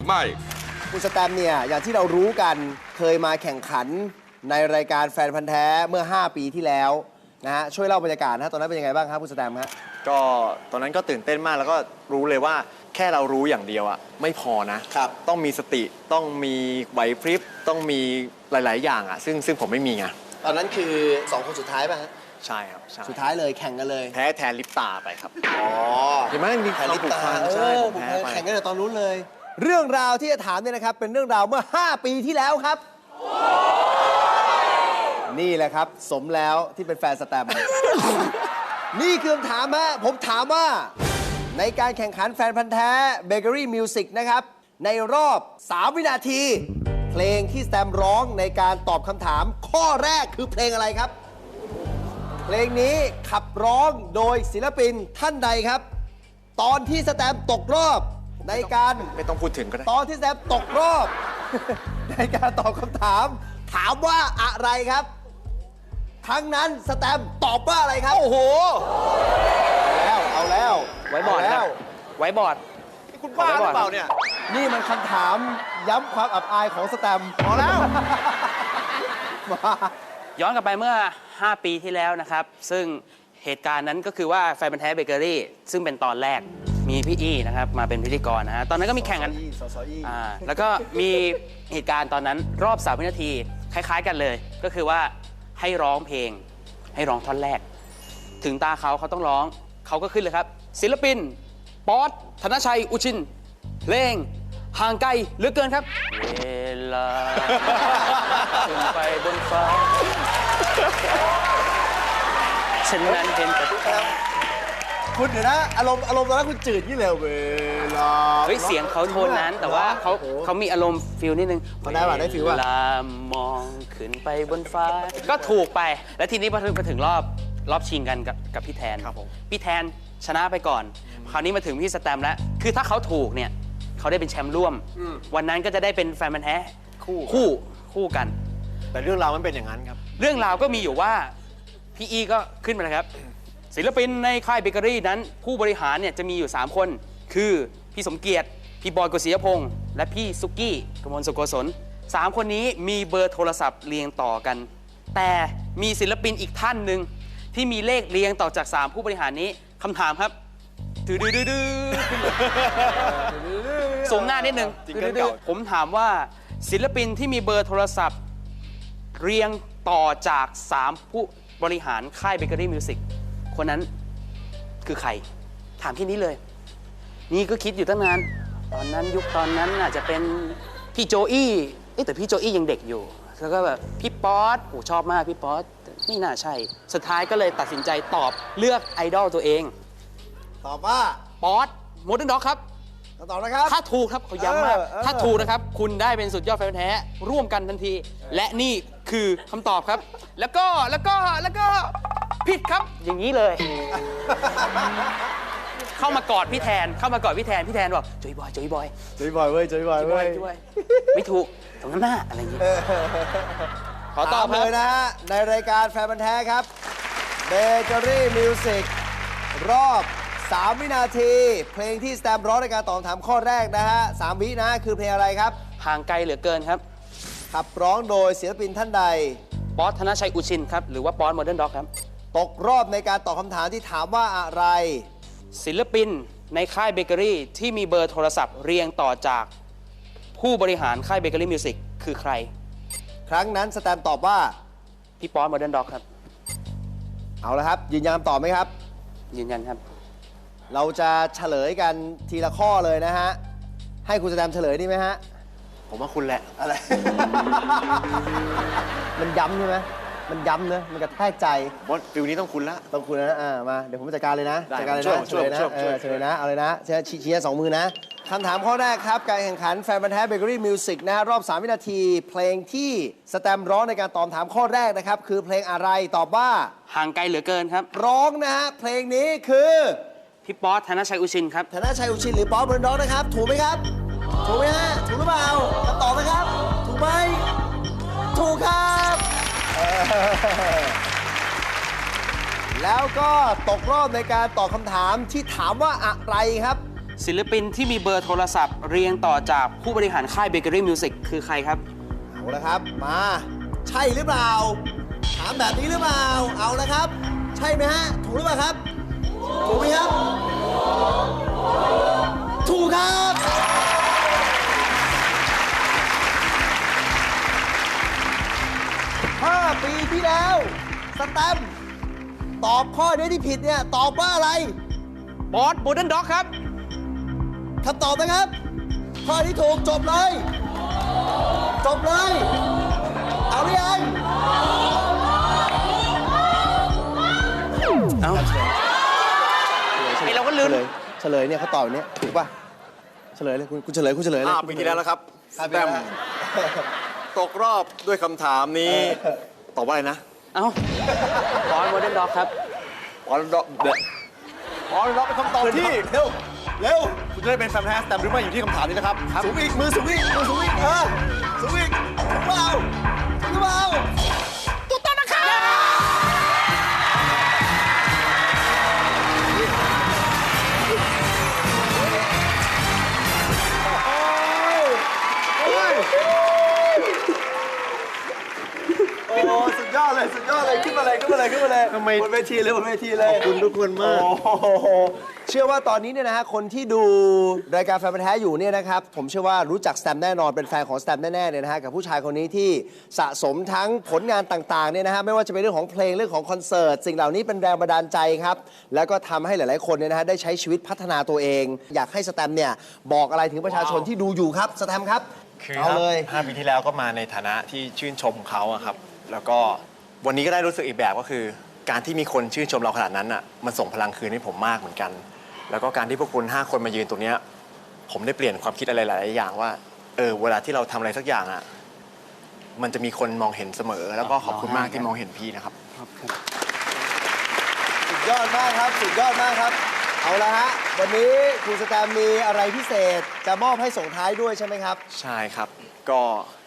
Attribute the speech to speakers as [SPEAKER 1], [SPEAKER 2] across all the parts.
[SPEAKER 1] ไม่
[SPEAKER 2] คุณสแตมเนี่ยอย่างที่เรารู้กันเคยมาแข่งขันในรายการแฟนพันธ์แท้เมื่อ 5 ปีที่แล้วนะฮะช่วยเล่าบรรยากาศนะตอนนั้นเป็นยังไงบ้างครับคุณสแตมฮะ
[SPEAKER 3] ก็ตอนนั้นก็ตื่นเต้นมากแล้วก็รู้เลยว่าแค่เรารู้อย่างเดียวอะไม่พอนะครับต้องมีสติต้องมีไหวพริบต้องมีหลาย ๆ อย่างอะซึ่งผมไม่มีไง
[SPEAKER 2] ตอนนั้นคือ2 คนสุดท้ายป่ะฮะ
[SPEAKER 3] ใช่ครับใช่
[SPEAKER 2] สุดท้ายเลยแข่งกันเลย
[SPEAKER 3] แพ้แทนลิปตาไปครับ
[SPEAKER 2] อ๋อ
[SPEAKER 3] เห็นไหมมี
[SPEAKER 2] แข่งลิปตา
[SPEAKER 3] ใช่ผมแพ้ไป
[SPEAKER 2] แข่งกันเลยตอนนู้นเลย เรื่องราวที่จะถามเนี่ยนะครับเป็นเรื่องราวเมื่อ 5 ปีที่แล้วครับ นี่แหละครับสมแล้วที่เป็นแฟนสแตม นี่คือคำถามฮะผมถามว่าในการแข่งขันแฟนพันธ์แท้เบเกอรี่มิวสิกนะครับในรอบ 3 วินาที เพลงที่สแตมร้องในการตอบคำถามข้อแรกคือเพลงอะไรครับ เพลงนี้ขับร้องโดยศิลปินท่านใดครับ ตอนที่สแตมตกรอบในการ
[SPEAKER 3] ไม่ต้องพูดถึงก็ได้
[SPEAKER 2] ตอนที่สแตมตกรอบ ในการตอบคำถาม ถามว่าอะไรครับ ทั้งนั้นสแตมตอบว่าอะไรครับ โอ้โห เอาแล้ว
[SPEAKER 4] ไว้บอร์ด
[SPEAKER 2] เา
[SPEAKER 4] ค
[SPEAKER 2] แล้
[SPEAKER 4] รับ
[SPEAKER 2] ว
[SPEAKER 4] ไว้บอร์ด
[SPEAKER 3] คุณบ้าหรือเปล่าเนี่ย
[SPEAKER 2] นี่มันคำถามย้ำความอับอายของสแตมพอแล้ว มา
[SPEAKER 4] ย้อนกลับไปเมื่อ 5 ปีที่แล้วนะครับ ซึ่งเหตุการณ์นั้นก็คือว่าแฟนพันธ์แท้เบเกอรี่ซึ่งเป็นตอนแรกมีพี่อี้นะครับมาเป็นพิธีกรนะฮะตอนนั้นก็มีแข่งกันแล้วก็มีเหตุการณ์ตอนนั้นรอบ3 วินาทีคล้ายๆกันเลย ก็คือว่าให้ร้องเพลงให้ร้องท่อนแรก ถึงตาเขาต้องร้องเขาก็ขึ้นเลยครับ ศิลปินป๊อตธนชัยอุชินเพลงห่างไกลเหลือเกินครับ เวลาขึ้นไปบนฟ้าฉันนั้นเห็นแต่
[SPEAKER 2] คุณเดี๋ยวนะอารมณ์ตอนนั้นคุณจืดยี่เลยเวลา
[SPEAKER 4] เฮ้ยเสียงเขาโทนนั้นแต่ว่าเขามีอารมณ์ฟิลนิดนึง
[SPEAKER 2] เขาได้ป่ะได้ฟิล
[SPEAKER 4] เว
[SPEAKER 2] ป่ะ
[SPEAKER 4] ลามองขึ้นไปบนฟ้า ก็ถูกไป แล้วทีนี้พอถึงรอบชิงกันกับพี่แทน
[SPEAKER 3] ครับผม
[SPEAKER 4] พี่แทนชนะไปก่อน คราวนี้มาถึงพี่สแตมแล้ว คือถ้าเขาถูกเนี่ยเขาได้เป็นแชมป์ร่วม วันนั้นก็จะได้เป็นแฟนมันธุ์แท้คู่กัน
[SPEAKER 3] แต่เรื่องราวมันเป็นอย่างนั้นครับ
[SPEAKER 4] เรื่องราวก็มีอยู่ว่าพี่อีก็ขึ้นมาเลยครับ ศิลปินในค่ายเบเกอรี่นั้น ผู้บริหารเนี่ยจะมีอยู่ 3 คน คือพี่สมเกียรติ พี่บอยกฤษยพงษ์และพี่ซุกี้กมลสุโกศล3 คนนี้มีเบอร์โทรศัพท์เรียงต่อกัน แต่มีศิลปินอีกท่านหนึ่งที่มีเลขเรียงต่อจาก 3 ผู้บริหารนี้คำถามครับดื้อสมหน้านิดนึง
[SPEAKER 3] จริงเกินเก่า
[SPEAKER 4] ผมถามว่าศิลปินที่มีเบอร์โทรศัพท์เรียงต่อจาก 3 ผู้บริหารค่ายเบเกอรี่มิวสิกคนนั้นคือใคร ถามแค่นี้เลย นี่ก็คิดอยู่ตั้งนาน ตอนนั้นอาจจะเป็นพี่โจอี้แต่พี่โจอี้ยังเด็กอยู่ แล้วก็แบบพี่ป๊อตโอ้ชอบมากพี่ป๊อตแต่ไม่น่าใช่ สุดท้ายก็เลยตัดสินใจตอบเลือกไอดอลตัวเอง
[SPEAKER 2] ตอบว่า
[SPEAKER 4] ป๊อตโมเดิร์นด็อกครับ
[SPEAKER 2] ตอบนะครับ
[SPEAKER 4] ถ้าถูกครับเขาย้ำมาก
[SPEAKER 2] เออ
[SPEAKER 4] ถ้าถูกนะครับ คุณได้เป็นสุดยอดแฟนพันธุ์แท้ร่วมกันทันที และนี่คือคำตอบครับ แล้วก็ผิดครับ อย่างนี้เลย เข้ามากอดพี่แทนพี่แทนบอกจอยบอย
[SPEAKER 2] จุยบอยเว้ยจุยบอยเว้ย
[SPEAKER 4] ไม่ถูกตรงนั้นหน้าอะไรอย่างเงี้ยขอตอบ
[SPEAKER 2] ถามเลยนะฮะ ในรายการแฟนพันธ์แท้ครับเบเกอรี่มิวสิกรอบ 3 วินาที เพลงที่สแตมป์ร้องในการตอบคำถามข้อแรกนะฮะ 3 วินะคือเพลงอะไรครับ
[SPEAKER 4] ห่างไกลเหลือเกินครับ
[SPEAKER 2] ขับร้องโดยศิลปินท่านใด
[SPEAKER 4] ป๊อตธนชัยอุชินครับหรือว่าป๊อตโมเดิร์นด็อกครับ
[SPEAKER 2] ตกรอบในการตอบคำถามที่ถามว่าอะไร
[SPEAKER 4] ศิลปินในค่ายเบเกอรี่ที่มีเบอร์โทรศัพท์เรียงต่อจากผู้บริหารค่ายเบเกอรี่มิวสิกคือใคร
[SPEAKER 2] ครั้งนั้นสแตมป์ตอบว่า
[SPEAKER 4] พี่ป๊อตโมเดิร์นด็อกครับ
[SPEAKER 2] เอาละครับ ยืนยันคำตอบไหมครับ
[SPEAKER 4] ยืนยันครับ
[SPEAKER 2] เราจะเฉลยกันทีละข้อเลยนะฮะ ให้คุณสแตมป์เฉลยดีไหมฮะ
[SPEAKER 3] ผมว่าคุณแหละ
[SPEAKER 2] อะไร มันย้ำใช่ไหมมันย้ำเนอะมันกระแทกใจ
[SPEAKER 3] ว่าฟิลนี้ต้องคุณละ
[SPEAKER 2] ต้องคุณนะมา เดี๋ยวผมจัดการเลยนะ
[SPEAKER 3] ได้
[SPEAKER 2] จัดการเลย
[SPEAKER 3] ช่วย
[SPEAKER 2] นะ
[SPEAKER 3] ช่วย
[SPEAKER 2] นะ
[SPEAKER 3] ช่วยช่วย
[SPEAKER 2] เฉลยนะ เอาเลยนะชี้สองมือนะ คำถามข้อแรกครับ การแข่งขันแฟนพันธ์แท้เบเกอรี่มิวสิกนะฮะรอบ 3 วินาที เพลงที่สแตมป์ร้องในการตอบถามข้อแรกนะครับ คือเพลงอะไรตอบว่า
[SPEAKER 4] ห่างไกลเหลือเกินครับ
[SPEAKER 2] ร้องนะฮะ เพลงนี้คือ
[SPEAKER 4] พี่ป๊อตธนชัยอุชินครับ
[SPEAKER 2] ธนชัยอุชินหรือป๊อปเบอร์ด็อกนะครับ ถูกไหมครับ ถูกไหมฮะ ถูกหรือเปล่าคำตอบนะครับ ถูกไหม ถูกครับแล้วก็ตกรอบในการตอบคำถามที่ถามว่าอะไรครับ
[SPEAKER 4] ศิลปินที่มีเบอร์โทรศัพท์เรียงต่อจากผู้บริหารค่าย Bakery Music คือใครครับ
[SPEAKER 2] เอาละครับ มา ใช่หรือเปล่า ถามแบบนี้หรือเปล่า เอาละครับ ใช่ไหมฮะ ถูกหรือเปล่าครับ ถูกไหมครับ ถูกครับ5 ปีที่แล้ว สแตมป์ตอบข้อนี้ที่ผิดเนี่ย ตอบว่าอะไร
[SPEAKER 4] บอสบูเดนด็อกครับ
[SPEAKER 2] คำตอบนะครับ ข้อที่ถูกจบเลย จบเลย เอาหรือยัง
[SPEAKER 4] เอ้าไอเราก็ลืม
[SPEAKER 2] เฉลยเนี่ยเขาตอบอย่างนี้ถูกป่ะ เฉลยเลยคุณเฉลยเลย
[SPEAKER 3] 5 ปีที่แล้วแล้วครับ
[SPEAKER 2] ครับ
[SPEAKER 3] แต้มตกรอบด้วยคำถามนี้ ตอบว่าอะไรนะ
[SPEAKER 4] เอ้าบอสบูเดนด็อกครับ
[SPEAKER 3] อ๋อเราเป็นคำตอบที่
[SPEAKER 2] เร็ว เร็ว
[SPEAKER 3] คุณจะได้เป็นแฟนแท้สแตมป์หรือไม่อยู่ที่คำถามนี้นะครับ
[SPEAKER 2] สูงอีก มือสูงอีก มือสูงอีกสูงอีกถูกเปล่าถูกเปล่าถูกต้องนะครับโอ้สุดยอดเลย สุดยอดเลย ขึ้นมาเลย
[SPEAKER 3] ทำไม
[SPEAKER 2] บนเวทีเลยบนเวทีเลย
[SPEAKER 3] ขอบคุณทุกคนมาก
[SPEAKER 2] โอ้โหเชื่อว่าตอนนี้เนี่ยนะฮะคนที่ดูรายการแฟนพันธุ์แท้อยู่เนี่ยนะครับผมเชื่อว่ารู้จักสแตมป์แน่นอนเป็นแฟนของสแตมป์แน่ๆเนี่ยนะฮะกับผู้ชายคนนี้ที่สะสมทั้งผลงานต่างๆเนี่ยนะฮะไม่ว่าจะเป็นเรื่องของเพลงเรื่องของคอนเสิร์ตสิ่งเหล่านี้เป็นแรงบันดาลใจครับแล้วก็ทำให้หลายๆคนเนี่ยนะฮะได้ใช้ชีวิตพัฒนาตัวเอง อยากให้สแตมป์เนี่ยบอกอะไรถึงประชาชนที่ดูอยู่ครับสแตมป์ครับ
[SPEAKER 3] คือ
[SPEAKER 2] เอาเลย
[SPEAKER 3] 5 ปีที่แล้วก็มาในฐานะที่ชื่นชมเขาอะครับ แล้วก็วันนี้ก็ได้รู้สึกอีกแบบก็คือ การที่มีคนชื่นชมเราขนาดนั้นอะมันส่งพลังคืนให้ผมมากเหมือนกัน แล้วก็การที่พวกคุณ5 คนมายืนตรงเนี้ยผมได้เปลี่ยนความคิดอะไรหลายๆอย่างว่าเวลาที่เราทำอะไรสักอย่างอะมันจะมีคนมองเห็นเสมอ แล้วก็ขอบคุณมากที่มองเห็นพี่นะครับ
[SPEAKER 2] สุดยอดมากครับ สุดยอดมากครับ เอาละฮะวันนี้คุณสแตมป์มีอะไรพิเศษจะมอบให้ส่งท้ายด้วยใช่ไหมครับ
[SPEAKER 3] ใช่ครับ ก็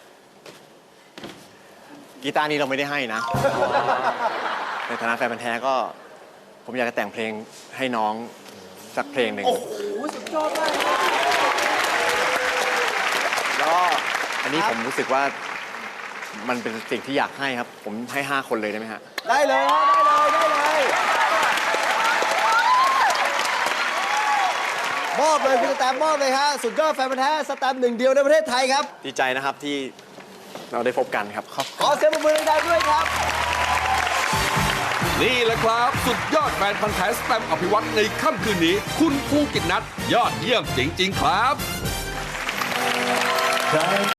[SPEAKER 3] กีตาร์นี้เราไม่ได้ให้นะ ในฐานะแฟนพันธุ์แท้ก็ผมอยากจะแต่งเพลงให้น้องสักเพลงหนึ่ง
[SPEAKER 2] โอ้โห สุดยอดมากครับ
[SPEAKER 3] แล้วก็อันนี้
[SPEAKER 2] ครับ
[SPEAKER 3] ผมรู้สึกว่ามันเป็นสิ่งที่อยากให้ครับ ผมให้ 5 คนเลยได้ไหมฮะ
[SPEAKER 2] ได้เลยฮะได้เลยมอบเลยคุณสแตมป์มอบเลยฮะสุดยอดแฟนพันธุ์แท้สแตมป์หนึ่งเดียวในประเทศไทยครับ
[SPEAKER 3] ดีใจนะครับที่เราได้พบกันครับ
[SPEAKER 2] ขอเสียงปรบมือดังๆด้วยครับ
[SPEAKER 1] นี่แหละครับ สุดยอดแฟนพันธ์แท้สแตมป์อภิวัตในค่ำคืนนี้ คุณภูกิจนัทยอดเยี่ยมจริง ๆ ครับ